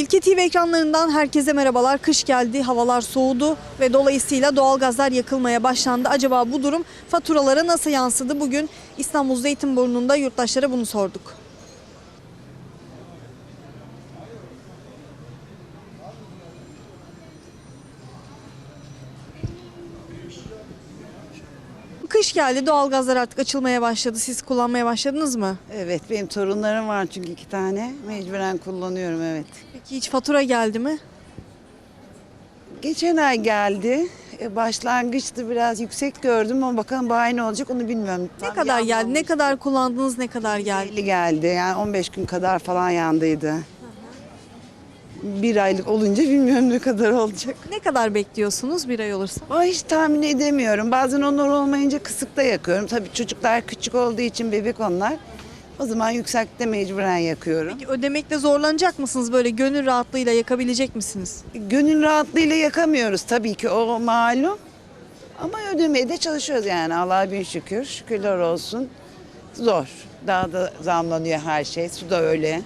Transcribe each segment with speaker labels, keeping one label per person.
Speaker 1: İlke TV ekranlarından herkese merhabalar. Kış geldi, havalar soğudu ve dolayısıyla doğalgazlar yakılmaya başlandı. Acaba bu durum faturalara nasıl yansıdı? Bugün İstanbul Zeytinburnu'nda yurttaşlara bunu sorduk. Kış geldi, doğalgazlar artık açılmaya başladı. Siz kullanmaya başladınız mı?
Speaker 2: Evet, benim torunlarım var çünkü 2 tane. Mecburen kullanıyorum, evet.
Speaker 1: Peki hiç fatura geldi mi?
Speaker 2: Geçen ay geldi. Başlangıçta biraz yüksek gördüm ama bakalım bu ay ne olacak onu bilmiyorum.
Speaker 1: Ne kadar geldi? Ne kadar kullandınız? Ne kadar geldi?
Speaker 2: 50 geldi. Yani 15 gün kadar falan yandıydı. Bir aylık olunca bilmiyorum ne kadar olacak.
Speaker 1: Ne kadar bekliyorsunuz bir ay olursa?
Speaker 2: Ama hiç tahmin edemiyorum. Bazen onlar olmayınca kısıkta yakıyorum. Tabii çocuklar küçük olduğu için bebek onlar. O zaman yüksekte mecburen yakıyorum.
Speaker 1: Peki ödemekte zorlanacak mısınız? Böyle gönül rahatlığıyla yakabilecek misiniz?
Speaker 2: Gönül rahatlığıyla yakamıyoruz tabii ki, o malum. Ama ödemeye de çalışıyoruz yani, Allah'a bin şükür. Şükürler olsun. Zor. Daha da zamlanıyor her şey. Su da öyle.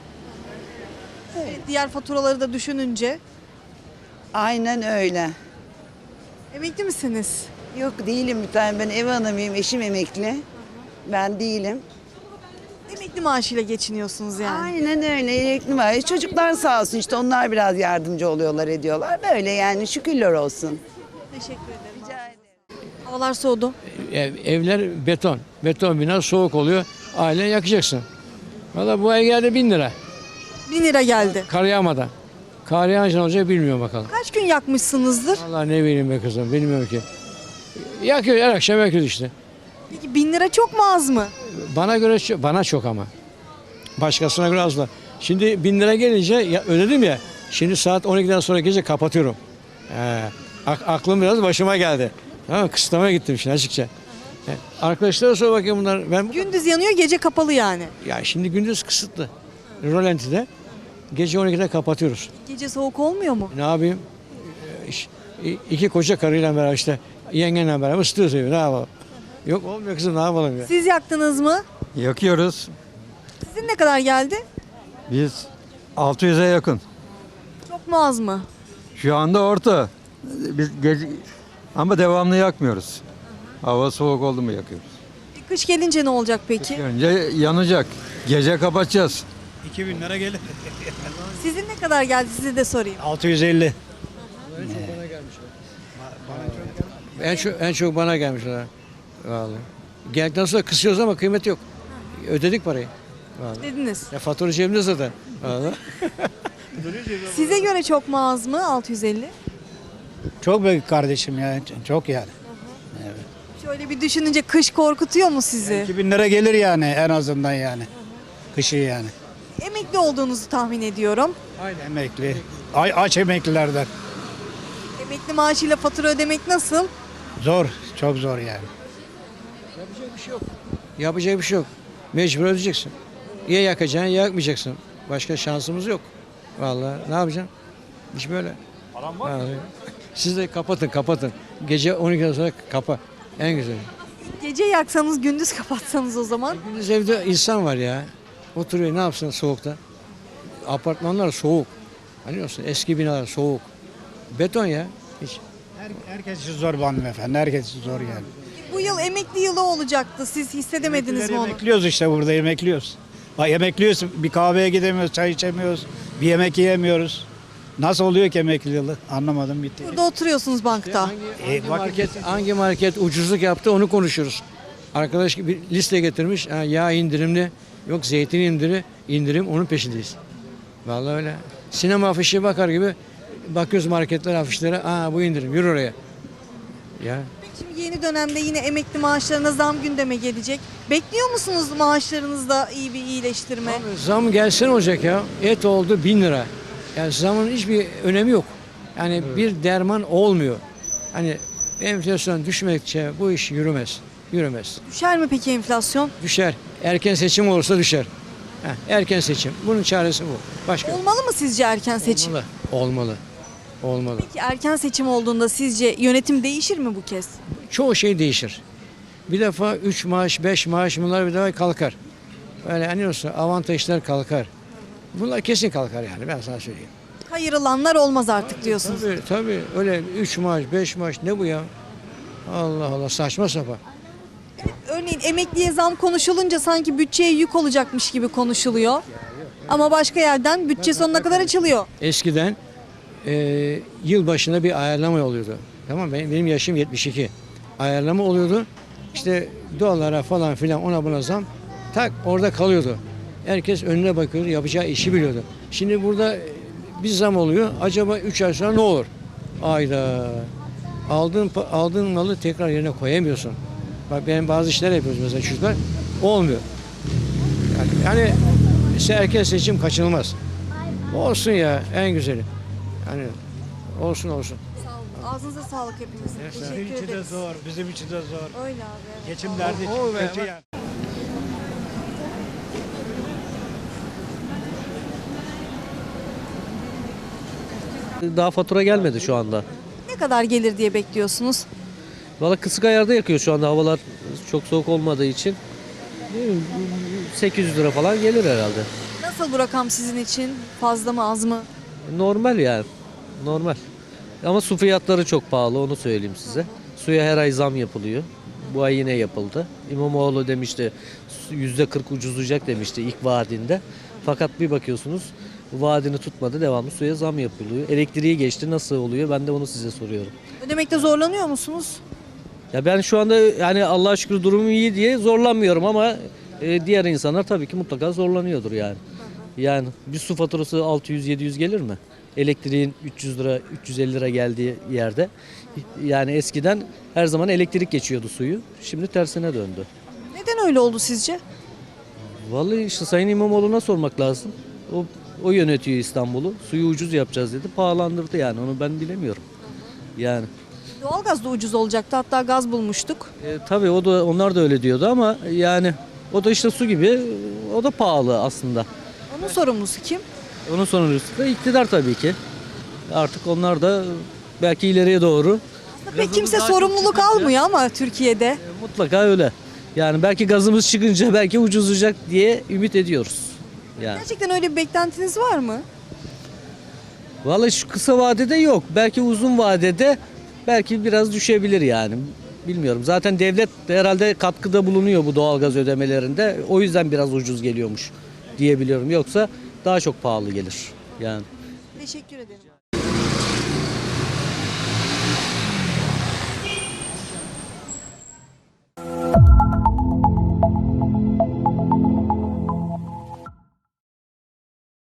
Speaker 1: Diğer faturaları da düşününce.
Speaker 2: Aynen öyle.
Speaker 1: Emekli misiniz?
Speaker 2: Yok, değilim bir tane. Ben ev hanımıyım. Eşim emekli. Ben değilim.
Speaker 1: Emekli maaşıyla geçiniyorsunuz yani.
Speaker 2: Aynen öyle. Emekli var. Çocuklar sağ olsun işte, onlar biraz yardımcı oluyorlar, ediyorlar. Böyle yani, şükürler olsun.
Speaker 1: Teşekkür ederim.
Speaker 2: Rica ederim.
Speaker 1: Havalar soğudu.
Speaker 3: Evler beton. Beton bina soğuk oluyor. Ailen yakacaksın. Valla bu ay geldi 1000 lira.
Speaker 1: 1000 lira geldi.
Speaker 3: Kar yağmadan. Kar yağınca ne olacak bilmiyorum bakalım.
Speaker 1: Kaç gün yakmışsınızdır?
Speaker 3: Valla ne bileyim be kızım, bilmiyorum ki. Yakıyor, her akşam yakıyoruz işte.
Speaker 1: Peki 1000 lira çok mu az mı?
Speaker 3: Bana göre bana çok ama. Başkasına göre az da. Şimdi 1000 lira gelince ödedim ya. Şimdi saat 12'den sonra gece kapatıyorum. Aklım biraz başıma geldi. Tamam, kısıtlamaya gittim şimdi açıkça. Arkadaşlara sor bakayım bunlar.
Speaker 1: Gündüz yanıyor, gece kapalı yani.
Speaker 3: Ya şimdi gündüz kısıtlı. Rölantide. Gece 12'de kapatıyoruz.
Speaker 1: Gece soğuk olmuyor mu?
Speaker 3: Ne yapayım? İki koca karıyla beraber işte yengenle beraber ısıtıyoruz evi. Ne yapalım? Yok olmuyor kızım, ne yapalım ya?
Speaker 1: Siz yaktınız mı?
Speaker 4: Yakıyoruz.
Speaker 1: Sizin ne kadar geldi?
Speaker 4: Biz 600'e yakın.
Speaker 1: Çok mu az mı?
Speaker 4: Şu anda orta. Biz gece ama devamlı yakmıyoruz. Hava soğuk oldu mu yakıyoruz.
Speaker 1: Kış gelince ne olacak peki?
Speaker 4: Önce yanacak. Gece kapatacağız.
Speaker 5: 2000 lira gelir.
Speaker 1: Sizin ne kadar geldi size de sorayım.
Speaker 5: 650.
Speaker 3: En çok bana gelmişler. Vallahi. Geldikten sonra kısıyoruz ama kıymet yok. Ödedik parayı. Vallahi.
Speaker 1: Dediniz.
Speaker 3: Ya fatura cebimde zaten. Vallahi.
Speaker 1: Size göre çok mu az mı 650?
Speaker 5: Çok büyük kardeşim ya. Çok yani.
Speaker 1: Şöyle bir düşününce kış korkutuyor mu sizi?
Speaker 5: 2000 lira gelir yani en azından yani. Kışı yani.
Speaker 1: Emekli olduğunuzu tahmin ediyorum.
Speaker 5: Emekli. Aç emeklilerden.
Speaker 1: Emekli maaşıyla fatura ödemek nasıl?
Speaker 5: Zor. Çok zor yani.
Speaker 3: Yapacak bir şey yok. Mecbur ödeyeceksin. Ya yakacaksın ya yakmayacaksın. Başka şansımız yok. Vallahi ne yapacaksın? İş böyle. Param var mı? Siz de kapatın. Gece 12'den sonra kapa. En güzeli.
Speaker 1: Gece yaksanız gündüz kapatsanız o zaman.
Speaker 3: Gündüz evde insan var ya. Oturuyor, ne yapsın soğukta? Apartmanlar soğuk. Anlıyorsun, eski binalar soğuk. Beton ya. Hiç.
Speaker 5: Herkes için zor bu hanımefendi. Herkes için zor yani.
Speaker 1: Bu yıl emekli yılı olacaktı. Siz hissedemediniz mi onu?
Speaker 5: Emekliyoruz işte, burada emekliyoruz. Bak, emekliyoruz. Bir kahveye gidemiyoruz, çay içemiyoruz. Bir yemek yiyemiyoruz. Nasıl oluyor ki emekli yılı? Anlamadım, bitti.
Speaker 1: Burada oturuyorsunuz bankta.
Speaker 3: Hangi market ucuzluk yaptı onu konuşuyoruz. Arkadaş bir liste getirmiş. Ha, yağ indirimli, yok zeytin indirim onun peşindeyiz. Vallahi öyle. Sinema afişi bakar gibi bakıyoruz marketler afişlere. Aa bu indirim, yürü oraya. Ya
Speaker 1: Şimdi yeni dönemde yine emekli maaşlarına zam gündeme gelecek. Bekliyor musunuz maaşlarınızda iyi bir iyileştirme?
Speaker 3: zam gelsin olacak ya. Et oldu 1000 lira. Yani zamın hiçbir önemi yok. Yani bir derman olmuyor. Hani enflasyon düşmedikçe bu iş yürümez.
Speaker 1: Düşer mi peki enflasyon?
Speaker 3: Düşer. Erken seçim olursa düşer. Erken seçim. Bunun çaresi bu. Başka yok.
Speaker 1: Olmalı mı sizce erken seçim?
Speaker 3: Olmalı.
Speaker 1: Peki erken seçim olduğunda sizce yönetim değişir mi bu kez?
Speaker 3: Çoğu şey değişir. Bir defa 3 maaş, 5 maaş bunlar bir defa kalkar. Böyle hani olsa avantajlar kalkar. Bunlar kesin kalkar yani, ben sana söyleyeyim.
Speaker 1: Kayırılanlar olmaz artık diyorsunuz.
Speaker 3: Tabii öyle 3 maaş 5 maaş ne bu ya? Allah Allah saçma sapan.
Speaker 1: Örneğin emekliye zam konuşulunca sanki bütçeye yük olacakmış gibi konuşuluyor. Ama başka yerden bütçe sonuna kadar açılıyor.
Speaker 3: Eskiden yıl başına bir ayarlama oluyordu. Tamam benim yaşım 72. Ayarlama oluyordu. İşte dolara falan filan ona buna zam tak orada kalıyordu. Herkes önüne bakıyordu, yapacağı işi biliyordu. Şimdi burada bir zam oluyor. Acaba 3 ay sonra ne olur? Ayda aldığın malı tekrar yerine koyamıyorsun. Bak ben bazı işler yapıyoruz mesela çocuklar. Olmuyor. Yani erken seçim kaçınılmaz. Olsun ya en güzeli. Yani olsun.
Speaker 1: Sağ olun. Ağzınıza sağlık hepimizin.
Speaker 5: Bizim
Speaker 1: Teşekkür
Speaker 5: için de
Speaker 1: ederiz.
Speaker 5: zor, bizim için de zor.
Speaker 1: Öyle abi. Evet.
Speaker 5: Geçim derdi için kötü yani.
Speaker 6: Daha fatura gelmedi şu anda.
Speaker 1: Ne kadar gelir diye bekliyorsunuz?
Speaker 6: Valla kısık ayarda yakıyor şu anda havalar çok soğuk olmadığı için. Ne bileyim, 800 lira falan gelir herhalde.
Speaker 1: Nasıl bu rakam sizin için? Fazla mı az mı?
Speaker 6: Normal yani. Normal. Ama su fiyatları çok pahalı onu söyleyeyim size. Suya her ay zam yapılıyor. Bu ay yine yapıldı. İmamoğlu demişti %40 ucuzlayacak demişti ilk vaadinde. Fakat bir bakıyorsunuz vaadini tutmadı devamlı suya zam yapılıyor. Elektriği geçti nasıl oluyor ben de onu size soruyorum.
Speaker 1: Ödemekte zorlanıyor musunuz?
Speaker 6: Ya ben şu anda yani Allah'a şükür durumum iyi diye zorlanmıyorum ama diğer insanlar tabii ki mutlaka zorlanıyordur yani. Yani bir su faturası 600-700 gelir mi? Elektriğin 300 lira, 350 lira geldiği yerde. Yani eskiden her zaman elektrik geçiyordu suyu. Şimdi tersine döndü.
Speaker 1: Neden öyle oldu sizce?
Speaker 6: Vallahi işte Sayın İmamoğlu'na sormak lazım. O yönetiyor İstanbul'u. Suyu ucuz yapacağız dedi. Pahalandırdı yani onu ben bilemiyorum. Yani.
Speaker 1: Doğalgaz da ucuz olacaktı. Hatta gaz bulmuştuk.
Speaker 6: Tabii onlar da öyle diyordu ama yani o da işte su gibi o da pahalı aslında.
Speaker 1: Onun sorumlusu kim?
Speaker 6: Onun sonrası da iktidar tabii ki. Artık onlar da belki ileriye doğru
Speaker 1: Pek kimse sorumluluk almıyor ama Türkiye'de.
Speaker 6: mutlaka öyle. Yani belki gazımız çıkınca belki ucuzlayacak diye ümit ediyoruz. Yani.
Speaker 1: Gerçekten öyle bir beklentiniz var mı?
Speaker 6: Vallahi şu kısa vadede yok. Belki uzun vadede belki biraz düşebilir yani. Bilmiyorum. Zaten devlet herhalde katkıda bulunuyor bu doğalgaz ödemelerinde. O yüzden biraz ucuz geliyormuş diyebiliyorum. Yoksa daha çok pahalı gelir. Yani.
Speaker 1: Teşekkür ederim.